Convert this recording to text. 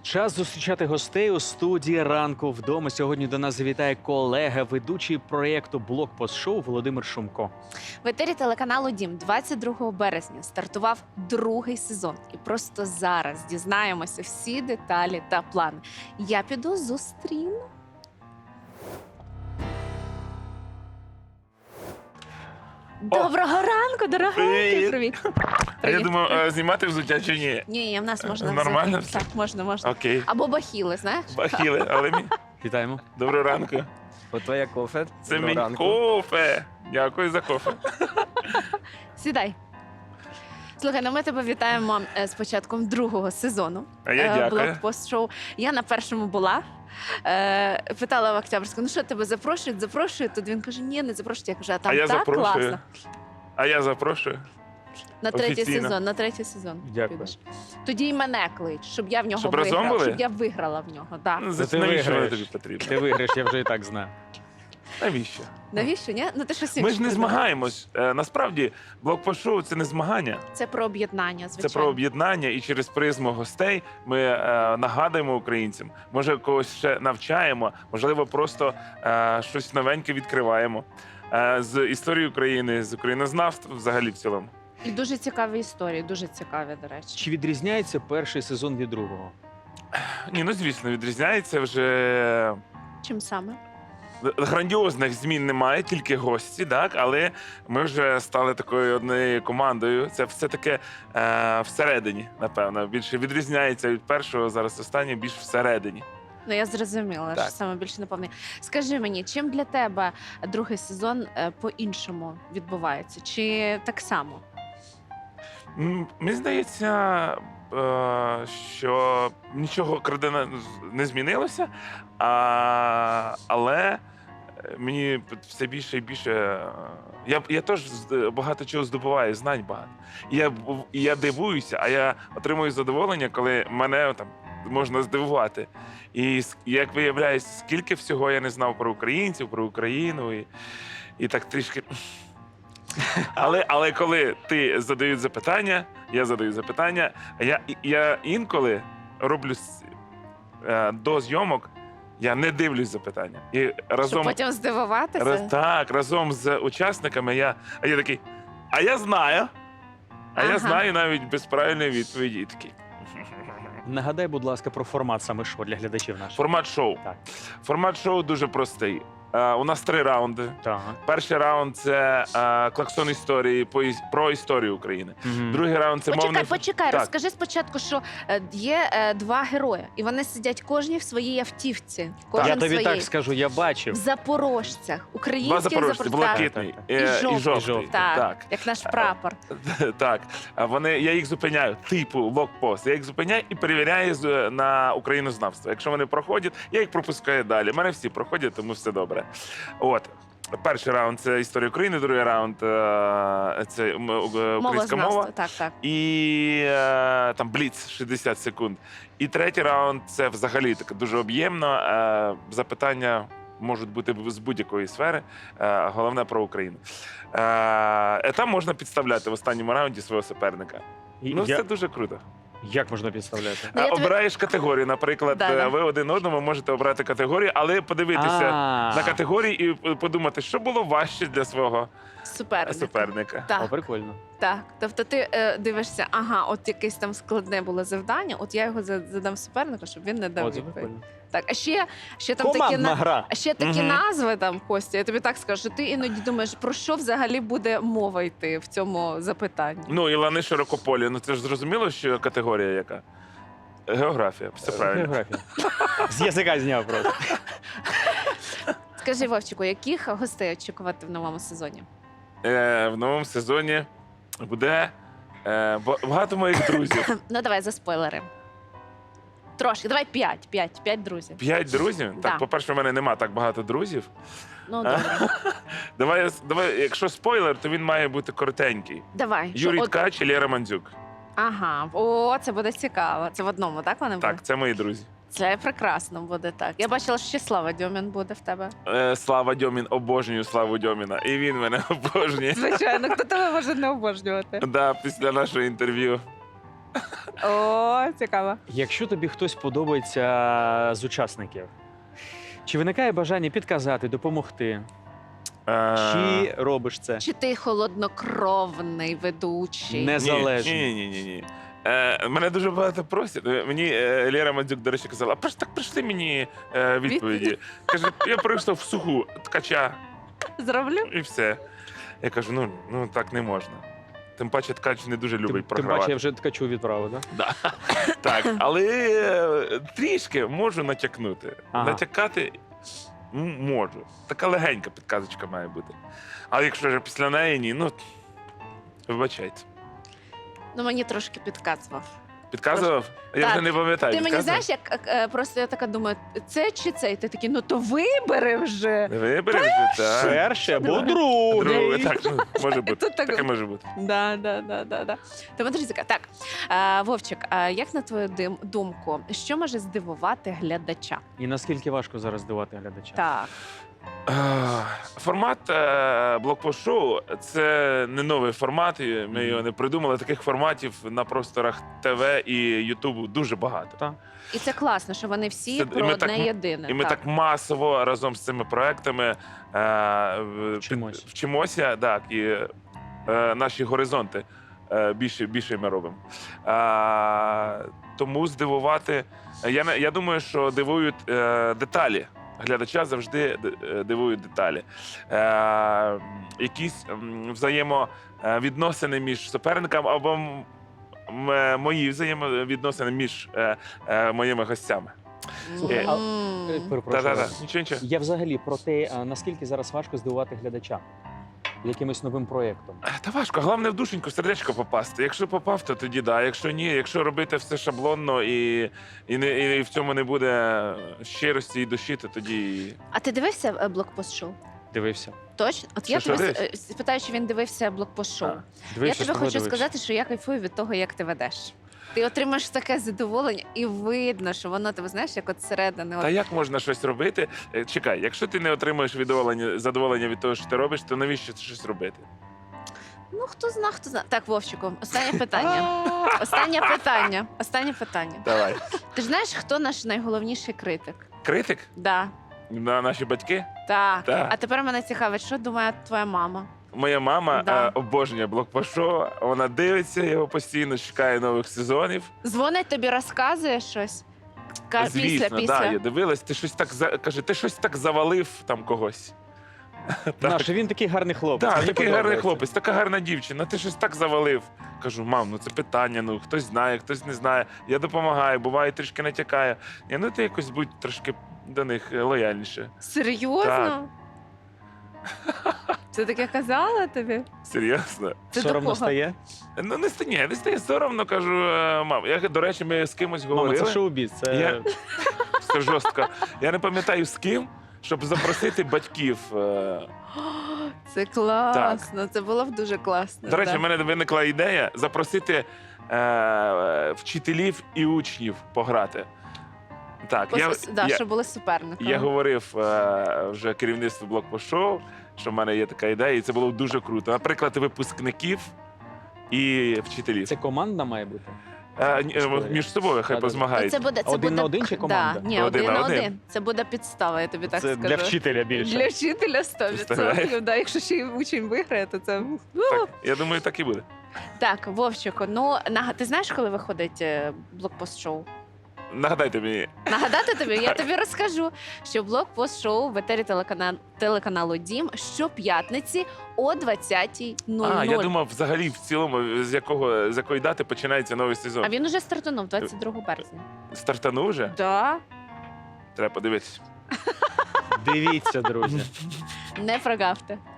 Час зустрічати гостей у студії «Ранку вдома». Сьогодні до нас завітає колега, ведучий проєкту «Блокпост-шоу» Володимир Шумко. В етері телеканалу «Дім» 22 березня стартував другий сезон. І просто зараз дізнаємося всі деталі та плани. Я піду зустріну. Доброго ранку, дорогенький. Привіт. А я думав, знімати взуття чи ні? Ні, в нас можна. Нормально взяти. Так, можна. Окей. Або бахіли, знаєш? Бахіли, але мій. Вітаємо. Доброго ранку. От твоя кофе. Це Доброго мій ранку. кофе. Дякую за кофе. Сідай. Слухай, ну ми тебе вітаємо з початком другого сезону. А я дякую. Блокпост-шоу. Я на першому була. Питала в Октябрьську, ну що, тебе запрошують? Тут він каже, ні, не запрошують. Я кажу, а там А я так запрошую. класно. А я запрошую. На третій Офіційно. сезон. Дякую. підеш. Тоді й мене клич, щоб я в нього Щоб разом виграла. були? Щоб я виграла в нього. Да. Ну, ти навіщо воно виграєш. тобі потрібно? Ти виграєш, я вже і так знаю. Навіщо? Навіщо? Ні? Ну ти щось Ми інше ж не придумав. змагаємось. Насправді, блокпост-шоу – це не змагання. Це про об'єднання, звичайно. Це про об'єднання, і через призму гостей ми нагадуємо українцям. Може, когось ще навчаємо, можливо, просто щось новеньке відкриваємо. З історії України, з українознавства взагалі в цілому. І дуже цікаві історії, дуже цікаві, до речі. Чи відрізняється перший сезон від другого? Ні, ну звісно, відрізняється вже. Чим саме? Грандіозних змін немає, тільки гості, так, але ми вже стали такою однією командою. Це все таке всередині, напевно. Більше відрізняється від першого, зараз останнє більш всередині. Ну, я зрозуміла, Так. що саме більше наповнення. Скажи мені, чим для тебе другий сезон по-іншому відбувається? Чи так само? Мені здається, що нічого кардинально не змінилося, але мені все більше і більше. Я теж багато чого здобуваю, знань багато. І я дивуюся, а я отримую задоволення, коли мене там можна здивувати. І як виявляється, скільки всього я не знав про українців, про Україну, і так трішки. Але коли ти задають запитання, я задаю запитання, я інколи роблю до зйомок, я не дивлюсь запитання. І Щоб разом, потім здивуватися? разом з учасниками я такий, а я знаю. А я Ага. знаю навіть без правильної відповіді. І такий. Нагадай, будь ласка, про формат саме шоу для глядачів наших. Формат шоу. Так. Формат шоу дуже простий. У нас 3 раунди. Так. Перший раунд – це клаксон історії про історію України. Мгм. Другий раунд – це мовний... Почекай, Так. розкажи спочатку, що є 2 герої, і вони сидять кожні в своїй автівці. Кожен Я тобі своїй. так скажу, я В бачив. Запорожцях. 2 Українських запорожці, запорожцях. блакитний Так, І жовтий. жовтий. Так, Так. як наш прапор. Так. Я їх зупиняю, типу блокпост. Я їх зупиняю і перевіряю на українознавство. Якщо вони проходять, я їх пропускаю далі. У мене всі проходять, тому все добре. От. Перший раунд – це історія України, другий раунд – це українська мова. Мовознавство. Так. І там бліц 60 секунд. І третій раунд це взагалі таке дуже об'ємно. Запитання можуть бути з будь-якої сфери. Головне про Україну. Там можна підставляти в останньому раунді свого суперника. Ну, це дуже круто. Як можна підставляти? Ну, я тобі- Обираєш категорію. Наприклад, Да. ви один одному можете обрати категорію, але подивитися на категорії і подумати, що було важче для свого суперника. О, Так, прикольно. так. Тобто ти дивишся, ага, от якесь там складне було завдання, от я його задам супернику, щоб він не дав О, це відповідь. прикольно. Так, а ще там такі Командна гра. А ще такі Мгм. назви там, Костя, я тобі так скажу, що ти іноді думаєш, про що взагалі буде мова йти в цьому запитанні. Ну, і лани широкополі. Ну це ж зрозуміло, що категорія яка? Географія, все правильно. Географія. З язика зняв просто. Скажи, Вовчику, яких гостей очікувати в новому сезоні? В новому сезоні буде багато моїх друзів. Ну, давай за спойлери. Трошки, давай 5 друзів. 5 друзів. Да. Так, по-перше, в мене нема так багато друзів. Ну, добре. Давай, якщо спойлер, то він має бути коротенький. Давай. що Юрій от- Ткач і Лєра Мандзюк. Ага, о, це буде цікаво. Це в одному, так вони будуть? Так, це мої друзі. Це прекрасно буде так. Я бачила, що ще Слава Дьомін буде в тебе. Слава Дьомін, обожнюю Славу Дьоміна. І він мене обожнює. Звичайно, хто тебе може не обожнювати? Да, після нашого інтерв'ю О, цікаво. Якщо тобі хтось подобається з учасників, чи виникає бажання підказати, допомогти? Чи робиш це? Чи ти холоднокровний ведучий? Незалежний. Ні. Мене дуже багато просять. Мені Лєра Мандзюк, до речі, казала, а так прийшли мені відповіді. Каже, я прийшов в суху ткача Зроблю? і все. Я кажу, ну так не можна. Тим паче ткач не дуже любить Тим програвати. паче я вже ткачу відправив, так? Да. Так, але трішки можу натякнути. Ага. Натякати можу. Така легенька підказочка має бути. Але якщо вже після неї ні, вибачайте. Ну, мені трошки підказував. Підказував? Я Так. вже не пам'ятаю. Ти мені підказував? знаєш, як просто я така думаю, це чи це? І ти такий, ну то вибери вже. Вибери вже, так. Перший або Друге, другий. так, може бути. Тут так- Таке може бути. Да. Тому, друзі, так. Вовчик, а як на твою думку, що може здивувати глядача? І наскільки важко зараз здивувати глядача? Так. Формат блокпост-шоу – це не новий формат, і ми його не придумали. Таких форматів на просторах ТВ і Ютубу дуже багато. Так. І це класно, що вони всі Це- і про ми одне так- єдине. І ми так масово разом з цими проектами Вчимось. вчимося, так, і наші горизонти більше ми робимо. Тому здивувати. Я думаю, що дивують деталі. Глядача завжди дивують деталі. Якісь взаємовідносини між суперниками або мої взаємовідносини між моїми гостями. Перепрошую. Так. Нічого. Я взагалі про те, наскільки зараз важко здивувати глядача якимось новим проєктом. Та важко, головне в душеньку, в сердечко попасти. Якщо попав, то тоді да. Якщо ні, якщо робити все шаблонно і в цьому не буде щирості і душі, то тоді. А ти дивився блокпост-шоу? Дивився. Точно? От я Що тебе дивишся? спитаю, чи він дивився блокпост-шоу. А. Дивився, Я тобі що хочу дивився. сказати, що я кайфую від того, як ти ведеш. Ти отримаєш таке задоволення, і видно, що воно тебе знаєш, як от зсередини. Та як можна щось робити? Чекай, якщо ти не отримуєш задоволення від того, що ти робиш, то навіщо щось робити? Ну хто зна. Так, Вовчику, останнє питання. Останнє питання. Давай. Ти ж знаєш, хто наш найголовніший критик? Критик Да. на наші батьки? Так. Так. А тепер мене цікавить, що думає твоя мама? Моя мама Да. обожнює блокпост-шоу, вона дивиться його постійно, чекає нових сезонів. Дзвонить тобі, розказує щось? Звісно, Після. да, я дивилась, ти щось так каже, ти щось так завалив там когось. Наш, він такий гарний хлопець. Так, мені такий гарний подобається. хлопець, така гарна дівчина, ти щось так завалив. Кажу, мам, ну це питання, ну хтось знає, хтось не знає. Я допомагаю, буває, трішки натякаю. Ну ти якось будь трошки до них лояльніше. Серйозно? Це таке казала тобі? Серйозно. Це до Соромно кого? стає? Ну не стає соромно, кажу, мам. До речі, ми з кимось Мама, говорили. це шоу-біз. Це... Я- Це жорстко. Я не пам'ятаю з ким, щоб запросити батьків. Це класно, це було б дуже класно. До речі, да. в мене виникла ідея запросити вчителів і учнів пограти. Так, Щоб були суперниками. я говорив вже керівництву блокпост-шоу, що в мене є така ідея, і це було б дуже круто. Наприклад, випускників і вчителів. Це команда має бути? Між собою хай Да-да-да. позмагаються. Це буде, Один на один чи команда? Да, ні, Один один на на один. один. Це буде підстава, я тобі так Це скажу. для вчителя більше. Для вчителя 100%. Представляєш? Да, якщо ще й учень виграє, то це. Так, я думаю, так і буде. Так, Вовчику, ну ти знаєш, коли виходить блокпост-шоу? Нагадайте мені. Нагадати тобі, я тобі розкажу, що блокпост-шоу в етері телеканалу Дім щоп'ятниці о 20:00. Я думав, взагалі, в цілому, з якої дати починається новий сезон. А він уже стартанув 22 березня. Стартанув вже? Да, Треба подивитися. Дивіться, друзі. не прогавте.